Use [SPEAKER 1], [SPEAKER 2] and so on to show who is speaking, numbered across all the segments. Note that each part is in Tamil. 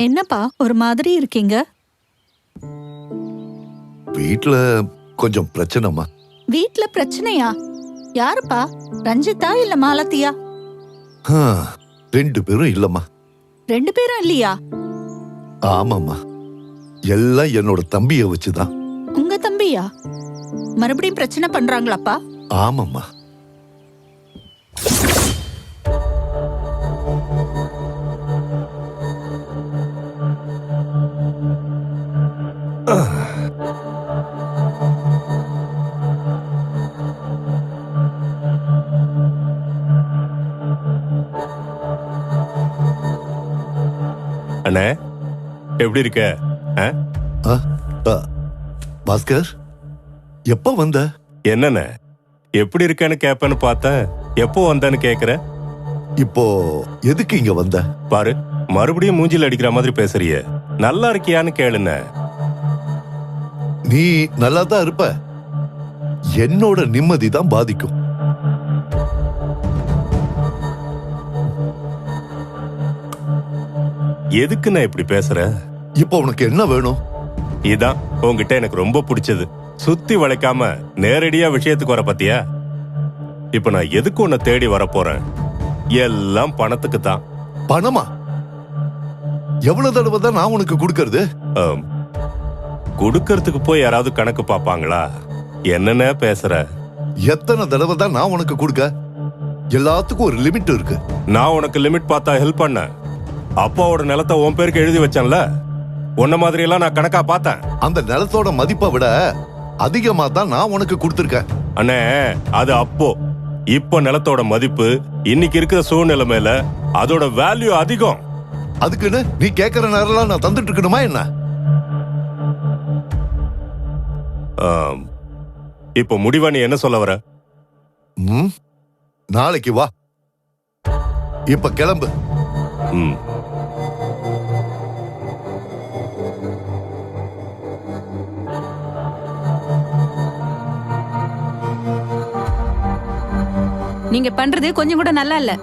[SPEAKER 1] என்னப்பா ஒரு மாதிரி இருக்கீங்க?
[SPEAKER 2] வீட்ல கொஞ்சம் பிரச்சனைமா.
[SPEAKER 1] வீட்ல பிரச்சனையா? யாருப்பா? ரஞ்சிதா இல்ல மாலத்தியா?
[SPEAKER 2] ரெண்டு பேரும் இல்லம்மா.
[SPEAKER 1] ரெண்டு பேரும் இல்லையா?
[SPEAKER 2] ஆமாம்மா, எல்லாம் என்னோட தம்பிய வச்சுதான்.
[SPEAKER 1] உங்க தம்பியா? மறுபடியும் பிரச்சனை பண்றாங்களாப்பா?
[SPEAKER 2] ஆமாம்மா.
[SPEAKER 3] அண்ணே, எப்படி இருக்க?
[SPEAKER 2] பாஸ்கர், எப்ப வந்த?
[SPEAKER 3] என்னண்ணே, எப்படி இருக்கேன்னு கேப்பேன்னு பார்த்தேன். எப்போ வந்தேன்னு கேக்குற?
[SPEAKER 2] இப்போ எதுக்கு இங்க வந்த?
[SPEAKER 3] பாரு, மறுபடியும் மூஞ்சில அடிக்கிற மாதிரி பேசுறிய. நல்லா இருக்கியான்னு கேளுண்ணே.
[SPEAKER 2] நீ நல்லா தான் இருப்ப, என்னோட நிம்மதி தான் பாதிக்கும்.
[SPEAKER 3] எதுக்கு நான் இப்படி பேசுற?
[SPEAKER 2] இப்போ உனக்கு என்ன வேணும்?
[SPEAKER 3] இதான் உன்கிட்ட எனக்கு ரொம்ப பிடிச்சது. சுத்தி வளைக்காம நேரடியா விஷயத்துக்கு வர பத்தியா? இப்ப நான் எதுக்கு உன்னை தேடி வர போறேன்? எல்லாம் பணத்துக்கு தான்.
[SPEAKER 2] பணமா? எவ்வளவு தடவை தான் நான் உனக்கு கொடுக்கறது?
[SPEAKER 3] கொடுக்கறதுக்கு போய் யாராவது கணக்கு பாப்பாங்களா? என்னென்ன பேசுற?
[SPEAKER 2] எத்தனை தடவை தான் நான் உனக்கு கொடுக்க? எல்லாத்துக்கும் ஒரு லிமிட் இருக்கு.
[SPEAKER 3] நான் உனக்கு லிமிட் பார்த்தா ஹெல்ப் பண்ண. அப்பாவோட நிலத்தை உன் பேருக்கு எழுதி வச்சேன்ல, உன்ன மாதிரி எல்லாம் நான் கணக்கா பார்த்தேன்.
[SPEAKER 2] அந்த நிலத்தோட மதிப்பை விட அதிகமா தான் நான் உனக்கு கொடுத்திருக்கேன்.
[SPEAKER 3] அண்ணே, அது அப்போ. இப்போ நிலத்தோட மதிப்பு இன்னைக்கு இருக்கிற சூழ்நிலைமையில அதோட வேல்யூ அதிகம்.
[SPEAKER 2] அதுக்குன்னு நீ கேட்கிற நேரம் நான் தந்துட்டு இருக்கணுமா என்ன?
[SPEAKER 3] இப்போ முடிவா நீ என்ன சொல்ல வர?
[SPEAKER 2] நாளைக்கு வா, இப்ப கிளம்பு.
[SPEAKER 1] நீங்க பண்றது கொஞ்சம் கூட நல்லா இல்ல.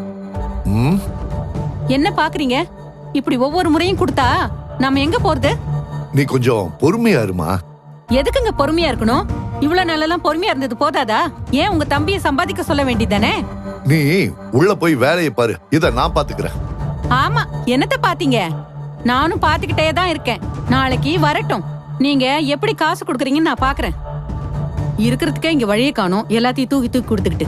[SPEAKER 1] என்ன பாக்குறீங்க? இப்படி ஒவ்வொரு முறையும் கொடுத்தா நாம எங்க போறது?
[SPEAKER 2] நீ கொஞ்சம் பொறுமையா இருமா.
[SPEAKER 1] எதுக்குங்க பொறுமையா இருக்கணும்? இவ்வளவு நாளெல்லாம் பொறுமையா இருந்தது போதாதா? ஏன் உங்க தம்பியை சம்பாதிக்க சொல்ல வேண்டியதானே?
[SPEAKER 2] நீ உள்ள போய் வேலையை பாரு, இத நான் பாத்துக்கிறேன்.
[SPEAKER 1] ஆமா, என்னத்த பாத்தீங்க? நானும் பாத்துக்கிட்டே தான் இருக்கேன். நாளைக்கு வரட்டும், நீங்க எப்படி காசு கொடுக்கறீங்கன்னு நான் பாக்குறேன். இருக்கிறதுக்கே இங்க வழியை காணோம், எல்லாத்தையும் தூக்கி தூக்கி கொடுத்துக்கிட்டு.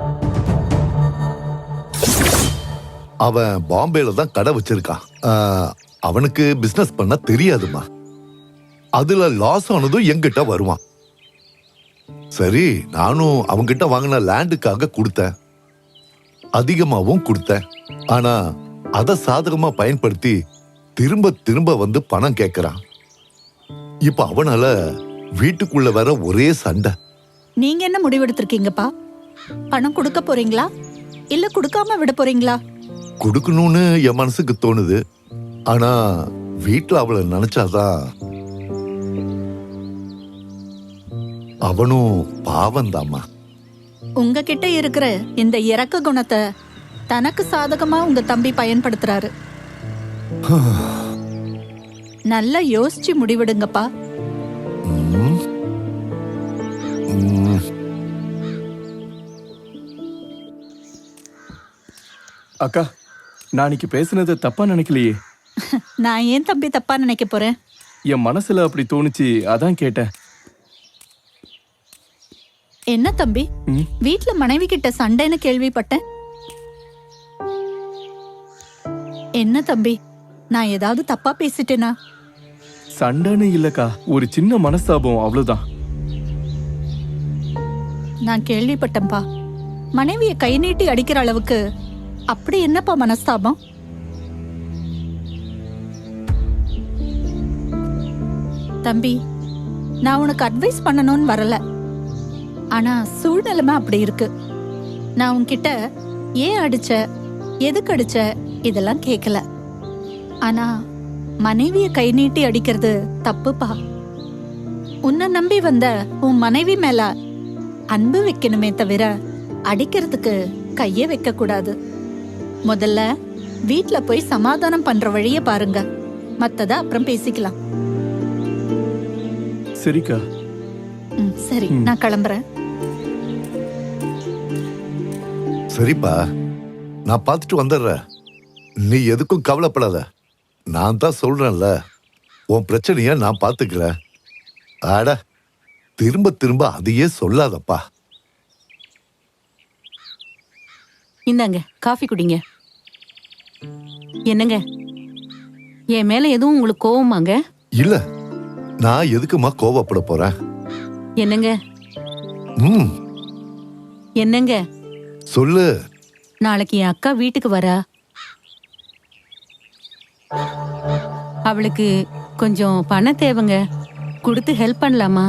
[SPEAKER 2] அவன் பாம்பேல தான் கடை வச்சிருக்கான். அவனுக்கு பிசினஸ் பண்ண தெரியாதுமா. அதுல லாஸ் ஆனதும் என்கிட்ட வருவான். சரி, நானும் அவங்கிட்ட வாங்கின லேண்டுக்காக கொடுத்தேன், அதிகமாவும் கொடுத்தேன். ஆனா அத சாதகமா பயன்படுத்தி திரும்ப திரும்ப வந்து பணம் கேட்கறான். இப்ப அவனால வீட்டுக்குள்ள வர ஒரே சண்டை.
[SPEAKER 1] நீங்க என்ன முடிவெடுத்திருக்கீங்கப்பா? பணம் கொடுக்க போறீங்களா இல்ல கொடுக்காம விட போறீங்களா?
[SPEAKER 2] கொடுக்கணும்னு என் மனசுக்கு தோணுது. ஆனா வீட்டுல அவளை நினைச்சாதான். அவனும் பாவந்தாமா.
[SPEAKER 1] உங்ககிட்ட இருக்கிற இந்த இரக்க குணத்தை தனக்கு சாதகமா உங்க தம்பி பயன்படுத்துறாரு. நல்லா யோசிச்சு முடிவெடுங்கப்பா.
[SPEAKER 4] அக்கா, நான் இன்னைக்கு பேசுனது தப்பா நினைக்கலையே?
[SPEAKER 1] நான் ஏன் தம்பி தப்பா நினைக்க போறேன்?
[SPEAKER 4] என் மனசுல அப்படி தோணுச்சு, அதான் கேட்டேன்.
[SPEAKER 1] என்ன தம்பி, வீட்ல மனைவி கிட்ட சண்டைன்னு கேள்விப்பட்டேன். என்ன தம்பி, நான் ஏதாவது தப்பா பேசிட்டேனா?
[SPEAKER 4] சண்டைன்னு இல்லக்கா, ஒரு சின்ன மனஸ்தாபம், அவ்வளவுதான்.
[SPEAKER 1] நான் கேள்விப்பட்டேன்பா, மனைவிய கை நீட்டி அடிக்கிற அளவுக்கு. அப்படி என்னப்பா மனஸ்தாபம்? தம்பி, நான் உனக்கு அட்வைஸ் பண்ணணும்னு வரல. ஆனா சூழ்நிலைமை அப்படி இருக்கு. நான் உன்கிட்ட ஏன் அடிச்ச, எதுக்கு அடிச்ச இதெல்லாம் கேட்கல. ஆனா மனைவிய கை நீட்டி அடிக்கிறது தப்புப்பா. உன்னை நம்பி வந்த உன் மனைவி மேல அன்பு வைக்கணுமே தவிர அடிக்கிறதுக்கு கையே வைக்க கூடாது. முதல்ல வீட்ல போய் சமாதானம் பண்ற வழிய பாருங்க.
[SPEAKER 5] மத்தத அப்புறம் பேசிக்கலாம்.
[SPEAKER 4] சரிக்கா.
[SPEAKER 5] சரி, நான் கிளம்புறேன்.
[SPEAKER 2] சரிப்பா, நான் பார்த்துட்டு வந்துடுறேன். நீ எதுக்கும் கவலைப்படாத. நான் தான் சொல்றேன்ல, உன் பிரச்சனைய நான் பார்த்துக்கிறேன். ஆட, திரும்ப திரும்ப அதையே சொல்லாதப்பா.
[SPEAKER 1] இந்தாங்க காஃபி குடிங்க. என்னங்க, என் மேல எதுவும் உங்களுக்கு கோவமாங்க?
[SPEAKER 2] இல்ல, நான் எதுக்குமா கோவப்பட போறேன்?
[SPEAKER 1] என்னங்க
[SPEAKER 2] ம்,
[SPEAKER 1] என்னங்க,
[SPEAKER 2] சொல்லு.
[SPEAKER 1] நாளைக்கு என் அக்கா வீட்டுக்கு வரா. அவளுக்கு கொஞ்சம் பணம் தேவைங்க. கொடுத்து ஹெல்ப் பண்ணலாமா?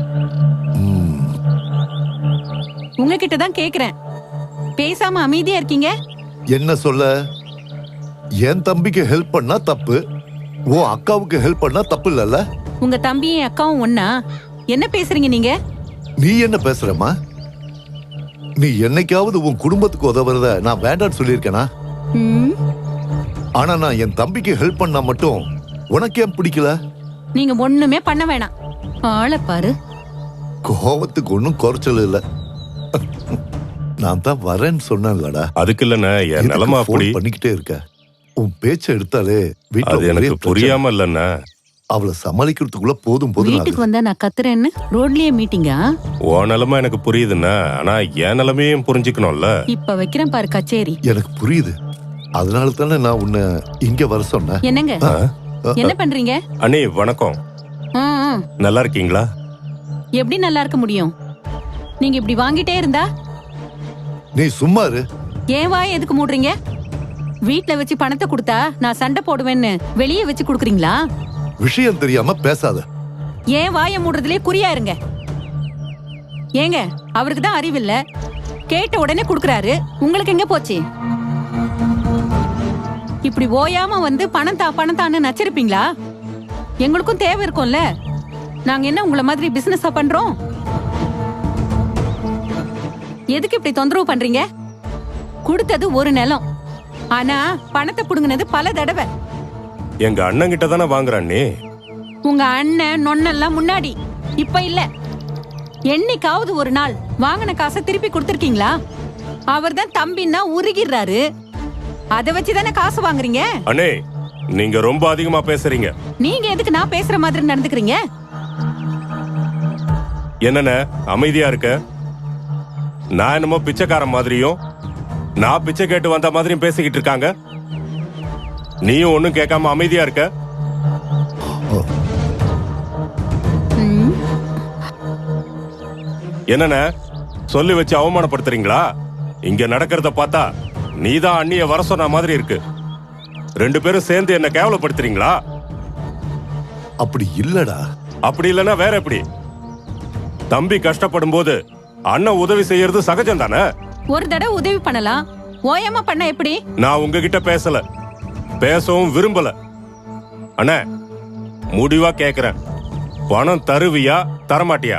[SPEAKER 1] உங்ககிட்ட தான் கேக்குறேன். பேசாம அமைதியா இருக்கீங்க.
[SPEAKER 2] என்ன சொல்ல? என் தம்பிக்கு ஹெல்ப் பண்ணா தப்பு, உன் அக்காவுக்கு ஹெல்ப் பண்ணா தப்பு இல்லல்ல?
[SPEAKER 1] உங்க தம்பியும் அக்காவும் ஒண்ணா? என்ன பேசுறீங்க நீங்க?
[SPEAKER 2] நீ என்ன பேசுறமா? நீ என்னைக்காவது உன் குடும்பத்துக்கு உதவுறத நான் வேண்டான்னு சொல்லியிருக்கேனா?
[SPEAKER 1] ம்,
[SPEAKER 2] ஆனா நான் என் தம்பிக்கு ஹெல்ப் பண்ணா மட்டும் உனக்கு ஏன் பிடிக்கல?
[SPEAKER 1] நீங்க ஒண்ணுமே பண்ண வேணாம். ஆளை பாரு.
[SPEAKER 2] கோவத்துக்கு ஒன்னும் குறைச்சல் இல்ல. நான் தான் வரேன்னு சொன்னேன்லடா.
[SPEAKER 3] அதுக்கு இல்லண்ணே, என் நிலைமை அப்படி.
[SPEAKER 2] பண்ணிக்கிட்டே இருக்க. உன் பேச்ச எடுத்தாலே
[SPEAKER 3] அது
[SPEAKER 2] வீட்டுல
[SPEAKER 3] எனக்கு புரியாம இல்லண்ணே.
[SPEAKER 2] அவளை சமாளிக்கிறதுக்குள்ள போதும் போதும்
[SPEAKER 1] வீட்டுக்கு வந்தா நான் கத்துறேன்னு ரோட்லயே மீட்டிங்கா?
[SPEAKER 3] உன் நிலைமை எனக்கு புரியுதுண்ணே, ஆனா என் நிலைமையும் புரிஞ்சுக்கணும்ல.
[SPEAKER 1] இப்ப வைக்கிறேன் பாரு கச்சேரி.
[SPEAKER 2] எனக்கு புரியுது. அதனால தானே நான் உன்னை இங்க வர சொன்னேன்.
[SPEAKER 1] என்னங்க, என்ன பண்றீங்க?
[SPEAKER 3] அண்ணே வணக்கம்.
[SPEAKER 1] ம், ம்.
[SPEAKER 3] நல்லா இருக்கீங்களா?
[SPEAKER 1] எப்படி நல்லா இருக்க முடியும்? நீங்க இப்படி வாங்கிட்டே இருந்தா?
[SPEAKER 2] நீ சும்மா இரு.
[SPEAKER 1] ஏன் வாய் எதுக்கு மூடுறீங்க? வீட்ல வச்சு பணத்தை கொடுத்தா நான் சண்டை போடுவேன்னு வெளியே வச்சு குடுக்குறீங்களா?
[SPEAKER 2] விஷயம் தெரியாம பேசாத.
[SPEAKER 1] ஏன் வாயை மூடுறதுலயே குறியா இருங்க. ஏங்க, அவருக்கு தான் அறிவில்ல. கேட்ட உடனே குடுக்குறாரு. உங்களுக்கு எங்க போச்சு? இப்படி ஓயாம வந்து பணம் தான்னு நச்சிருப்பீங்களா? எங்களுக்கும் தேவை இருக்கும்ல. நாங்க என்ன உங்களை மாதிரி பிசினஸா பண்றோம்? எதுக்கு இப்படி தொந்தரவு பண்றீங்க? கொடுத்தது ஒரு நிலம், ஆனா பணத்தை புடுங்கினது பல தடவை.
[SPEAKER 3] எங்க அண்ணன் கிட்ட தானே வாங்குறானே.
[SPEAKER 1] உங்க அண்ணன் நொன்னெல்லாம் முன்னாடி, இப்ப இல்ல. என்னைக்காவது ஒரு நாள் வாங்கின காசை திருப்பி கொடுத்திருக்கீங்களா? அவர் தான் தம்பின்னா உருகிறாரு. அதை வச்சுதானே காசு வாங்குறீங்க.
[SPEAKER 3] அண்ணே, நீங்க ரொம்ப அதிகமா பேசுறீங்க.
[SPEAKER 1] நீங்க எதுக்கு நான் பேசுற மாதிரி நடந்துக்கிறீங்க?
[SPEAKER 3] என்னண்ணே அமைதியா இருக்க? நான் என்னமோ பிச்சைக்காரன் மாதிரியும் நான் பிச்சை கேட்டு வந்த மாதிரியும் பேசிக்கிட்டு இருக்காங்க. நீயும் ஒண்ணும் கேட்காம அமைதியா இருக்க. என்னண்ணே, சொல்லி வச்சு அவமானப்படுத்துறீங்களா? இங்க நடக்கிறத பார்த்தா நீதான் அண்ணிய வர சொன்ன மாதிரி இருக்கு. ரெண்டு பேரும் சேர்ந்து என்ன கேவலப்படுத்துறீங்களா?
[SPEAKER 2] அப்படி இல்லடா.
[SPEAKER 3] அப்படி இல்லைன்னா வேற எப்படி? தம்பி கஷ்டப்படும் போது அண்ணன் உதவி செய்யறது சகஜம் தானே.
[SPEAKER 1] ஒரு தடவை உதவி பண்ணலாம், ஓயாம பண்ண எப்படி?
[SPEAKER 3] நான் உங்ககிட்ட பேசல, பேசவும் விரும்பல. அண்ணே, முடிவா கேக்குறேன், பணம் தருவியா தரமாட்டியா?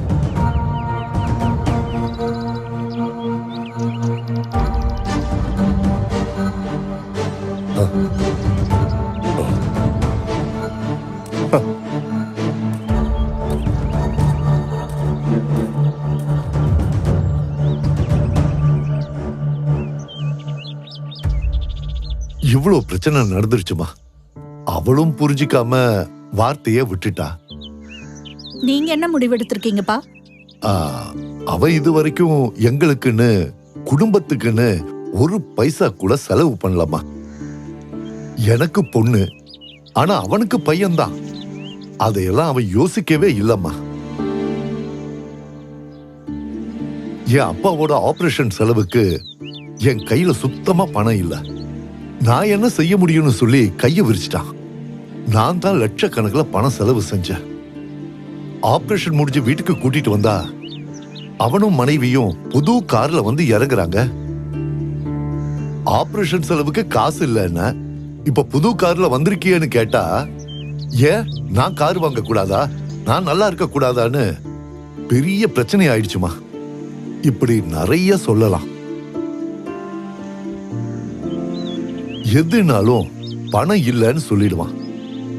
[SPEAKER 2] இவ்வளவு பிரச்சனை நடந்துருச்சுமா. அவளும் புரிஞ்சிக்காம வார்த்தைய விட்டுட்டா.
[SPEAKER 5] நீங்க என்ன முடிவெடுத்திருக்கீங்கப்பா?
[SPEAKER 2] அவ இது வரைக்கும் எங்களுக்குன்னு குடும்பத்துக்குன்னு ஒரு பைசா கூட செலவு பண்ணலாமா. எனக்கு பொண்ணு, ஆனா அவனுக்கு பையன்தான். அதையெல்லாம் அவன் யோசிக்கவே இல்லம்மா. என் அப்பாவோட ஆபரேஷன் செலவுக்கு என் கையில சுத்தமா பணம் இல்ல. நான் என்ன செய்ய முடியும்னு சொல்லி கைய விரிச்சிட்டான். நான் தான் லட்சக்கணக்கில் பணம் செலவு செஞ்சேன். ஆபரேஷன் முடிஞ்சு வீட்டுக்கு கூட்டிட்டு வந்தா அவனும் மனைவியும் புது கார்ல வந்து இறங்குறாங்க. ஆபரேஷன் செலவுக்கு காசு இல்லைன்னா இப்ப புது கார்ல வந்திருக்கியன்னு கேட்டா, ஏன் நான் கார் வாங்க கூடாதா, நான் நல்லா இருக்க கூடாதான்னு பெரிய பிரச்சனை ஆயிடுச்சுமா. இப்படி நிறைய சொல்லலாம். எதுனாலும் பணம் இல்லைன்னு சொல்லிடுவான்.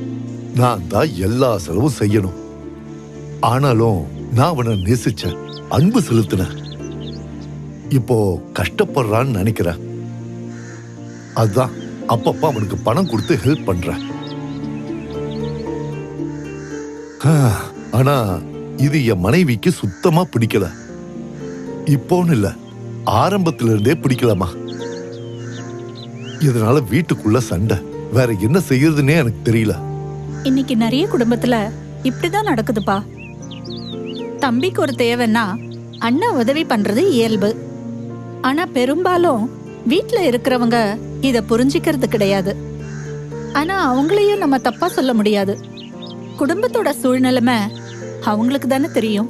[SPEAKER 2] நான் தான் எல்லா செலவும் செய்யணும். ஆனாலும் நான் அவனை நேசிச்சேன், அன்பு செலுத்தினேன். இப்போ கஷ்டப்படுறான்னு நினைக்கிறேன். அதுதான் அப்பப்ப அவனுக்கு பணம் கொடுத்து ஹெல்ப் பண்றேன். ஆனா இது என் மனைவிக்கு சுத்தமா பிடிக்கல. இப்போன்னு இல்ல, ஆரம்பத்துல இருந்தே பிடிக்கலமா. இதனால வீட்டுக்குள்ள சண்டை. வேற என்ன செய்யறதுன்னே எனக்கு தெரியல.
[SPEAKER 5] இன்னைக்கு நிறைய குடும்பத்துல இப்படிதான் நடக்குதுப்பா. தம்பிக்கு ஒரு தேவைன்னா அண்ணா உதவி பண்றது இயல்பு. ஆனா பெரும்பாலும் வீட்ல இருக்கிறவங்க இத புரிஞ்சுக்கிறது கிடையாது. ஆனா அவங்களையும் நம்ம தப்பா சொல்ல முடியாது. குடும்பத்தோட சூழ்நிலைமை அவங்களுக்கு தானே தெரியும்.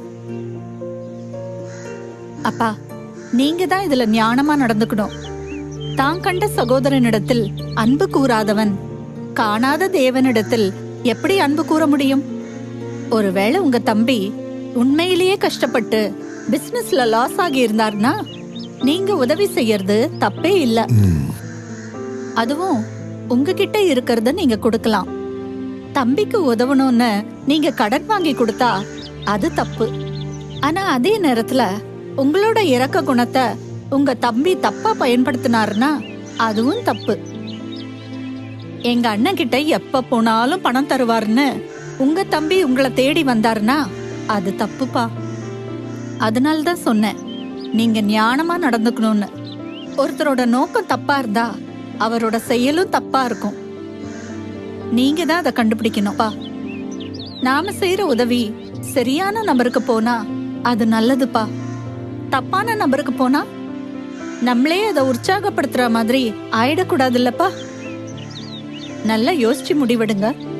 [SPEAKER 5] அப்பா, நீங்க தான் இதுல ஞானமா நடந்துக்கணும். தான் கண்ட சகோதரனிடத்தில் அன்பு கூறாதவன் காணாத தேவனிடத்தில் எப்படி அன்பு கூற முடியும்? ஒருவேளை உங்க தம்பி உண்மையிலேயே கஷ்டப்பட்டு பிசினஸ்ல லாஸ் ஆகி இருந்தார்னா நீங்க உதவி செய்யறது தப்பே இல்ல. அதுவும் உங்ககிட்ட இருக்கிறத நீங்க கொடுக்கலாம். தம்பிக்கு உதவணும்னு நீங்க கடன் வாங்கி கொடுத்தா அது தப்பு. ஆனா அதே நேரத்துல உங்களோட இரக்க குணத்தை உங்க தம்பி தப்பா பயன்படுத்தினாருன்னா அதுவும் தப்பு. எங்க அண்ணன் கிட்ட எப்ப போனாலும் பணம் தருவாருன்னு உங்க தம்பி உங்களை தேடி வந்தாருன்னா அது தப்புப்பா. அதனாலதான் சொன்னேன், நீங்க ஞானமா நடந்துக்கணும்னு. ஒருத்தரோட நோக்கம் தப்பா இருந்தா அவரோட செயலும் தப்பா இருக்கும். நீங்க தான் அதை கண்டுபிடிக்கணும்ப்பா. நாம செய்யற உதவி சரியான நபருக்கு போனா அது நல்லதுப்பா. தப்பான நபருக்கு போனா நம்மளே அதை உற்சாகப்படுத்துற மாதிரி ஆயிடக்கூடாது இல்லப்பா. நல்லா யோசிச்சு முடிவெடுங்க.